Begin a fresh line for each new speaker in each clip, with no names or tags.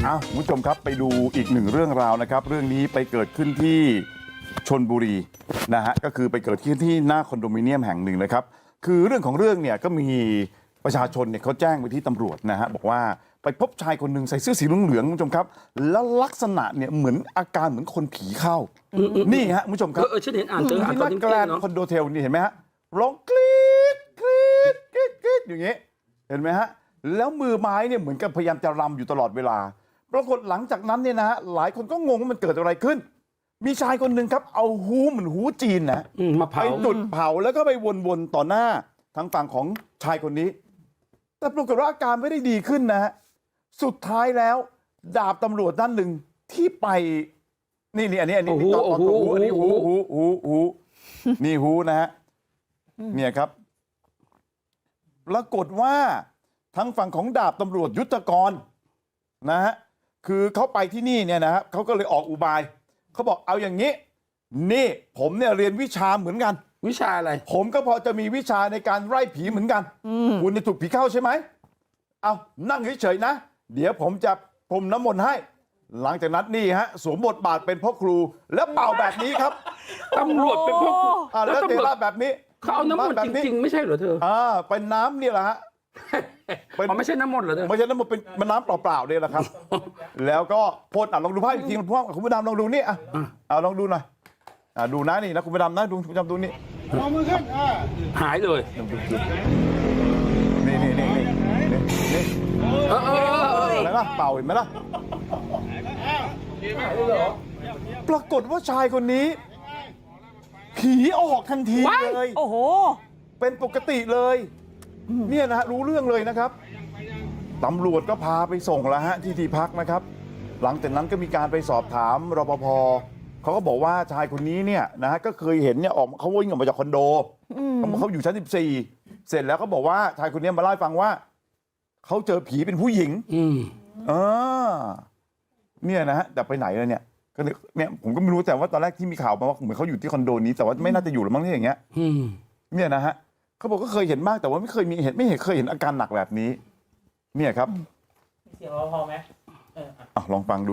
คุณผู้ชมครับไปดูอีกหนึ่งเรื่องราวนะครับเรื่องนี้ไปเกิดขึ้นที่ชลบุรีนะฮะก็คือไปเกิดขึ้นที่หน้าคอนโดมิเนียมแห่งหนึ่งนะครับคือเรื่องของเรื่องเนี่ยก็มีประชาชนเนี่ยเขาแจ้งไปที่ตำรวจนะฮะบอกว่าไปพบชายคนหนึ่งใส่เสื้อสีเหลืองๆคุณผู้ชมครับแล้วลักษณะเนี่ยเหมือนอาการเหมือนคนผีเข้านี่ฮะคุณผู้ชมครับ
ฉันเห็นอ่านเจอ
ที่นั
ตอน
ก
นี้
แกลนคอนโดเทลนี่เห็นไหมฮะร้องกรี๊ดกรี๊ดกรี๊ดกรี๊ดอย่างเงี้ยเห็นไหมฮะแล้วมือไม้เนี่ยเหมือนกับพยายามจะรำอยู่ตลอดเวลาปรากฏหลังจากนั้นเนี่ยนะฮะหลายคนก็งงว่ามันเกิดอะไรขึ้นมีชายคนหนึ่งครับเอาฮูเหมือนฮูจีนนะ
มาเผา
ไปจุดเผาแล้วก็ไปวนๆต่อหน้าทางฝั่งของชายคนนี้แต่ปรากฏว่าอาการไม่ได้ดีขึ้นนะฮะสุดท้ายแล้วดาบตำรวจด้านหนึ่งที่ไปนี่อันนี้ตอนฮูอันนี้ฮูนี่ฮูนะฮะเนี่ยครับปรากฏว่าทางฝั่งของดาบตำรวจยุทธกรนะฮะคือเขาไปที่นี่เนี่ยนะครับเขาก็เลยออกอุบายเขาบอกเอาอย่างนี้นี่ผมเนี่ยเรียนวิชาเหมือนกัน
วิชาอะไร
ผมก็พอจะมีวิชาในการไล่ผีเหมือนกันคุณเนี่ยถูกผีเข้าใช่ไหมเอานั่งเฉยๆนะเดี๋ยวผมจะพรมน้ำมนต์ให้หลังจากนั้นนี่ฮะสวมบทบาทเป็นพ่อครูแล้วเป่าแบบนี้ครับ
ตำรวจเป็นพ่อครู
แล้วเทราแบบนี้
เขาเอาน้ำมนต์จริงๆไม่ใช่เหรอเธอ
เป็นน้ำเนี่ยแหละฮะ
ไม่ใช่น้ำมนต์เหรอเธอ
ไม่ใช่น้ำมนต์เป็นน้ำเปล่าๆเนี่ยแหละครับแล้วก็พ่นลองดูภาพอีกทีคุณผู้ดำลองดูนี่เอาลองดูหน่อยดูนะนี่นะคุณผู้ดำนะดูคุณผู้ดำดูนี่
เอามือขึ้น
หายเลย
นี่อะไรล่ะเป่าเห็นไหมล่ะปรากฏว่าชายคนนี้ผีออกทันทีเลย
โอ้โห
เป็นปกติเลยเนี่ยนะรู้เรื่องเลยนะครับตำรวจก็พาไปส่งแล้วฮะที่พักนะครับหลังจากนั้นก็มีการไปสอบถามรปภเขาก็บอกว่าชายคนนี้เนี่ยนะฮะก็เคยเห็นเนี่ยเขาวิ่งออกมาจากคอนโดเขาอยู่ชั้น14เสร็จแล้วเขาบอกว่าชายคนนี้มาเล่าให้ฟังว่าเขาเจอผีเป็นผู้หญิงเนี่ยนะฮะแต่ไปไหนแล้วเนี่ยก็เนี่ยผมก็ไม่รู้แต่ว่าตอนแรกที่มีข่าวมาว่าเหมือนเขาอยู่ที่คอนโดนี้แต่ว่าไม่น่าจะอยู่หรือมั้งที่อย่างเงี้ยเนี่ยนะฮะเขาบอกก็เคยเห็นมากแต่ว่าไม่เคยเห็นอาการหนักแบบนี้เนี่ยครับ
เสียงเราพอไหม
ลองฟังดู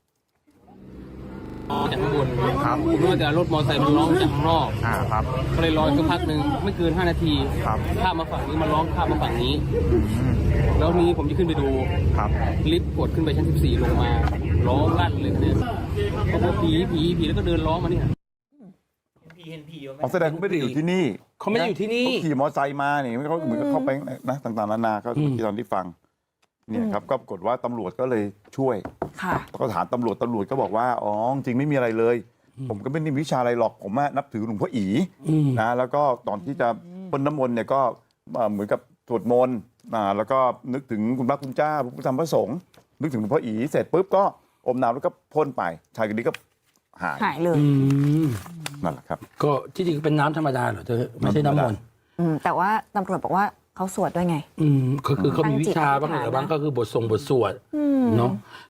จากข้างบนครับผมรู้แต่รถมอเตอร์ไซค์มันร้องจากข้างนอก
ครับ
ก็เลยรอสักพักหนึ่งไม่เกิน5 นาทีข้ามมาฝั่งนี้มันร้องข้ามมาฝั่งนี้แล้วนี้ผมจะขึ้นไปดูลิฟต์กดขึ้นไปชั้น14ลงมาร้องลั่นเลยเนี่ยเขาบอกผีแล้วก็เดินร้องมาเนี่ย
เห็นผี
แสดงเขาไม่ได้อยู่ที่นี่
เขาไม่ได้อยู่ที่นี่
เขาขี่มอเตอร์ไซค์มาเนี่ยเขาเหมือนกับเข้าไปนะต่างๆนานาก็ที่ตอนที่ฟังเนี่ยครับก็ปรากฏว่าตำรวจก็เลยช่วยก็ถามตำรวจก็บอกว่าอ๋อจริงไม่มีอะไรเลยผมก็ไม่ได้วิชาอะไรหรอกผมนับถือหลวงพ่ออีนะแล้วก็ตอนที่จะพ่นน้ำมนต์เนี่ยก็เหมือนกับสวดมนต์แล้วก็นึกถึงคุณพระคุณเจ้าพระพุทธธรรมพระสงฆ์นึกถึงหลวงพ่ออีเสร็จปุ๊บก็อมน้ำแล้วก็พ่นไปชายคนนี้ก็หาย
เลย
นั่นแหละครับ
ก็ที่จริงเป็นน้ำธรรมดาเหรอเธอไม่ใช่น้ำมนต์
แต่ว่าตำรวจบอกว่าเขาสวดด้วยไง
คือเขามีวิชาบ้างหรือบางก็คือบทสวดเนาะ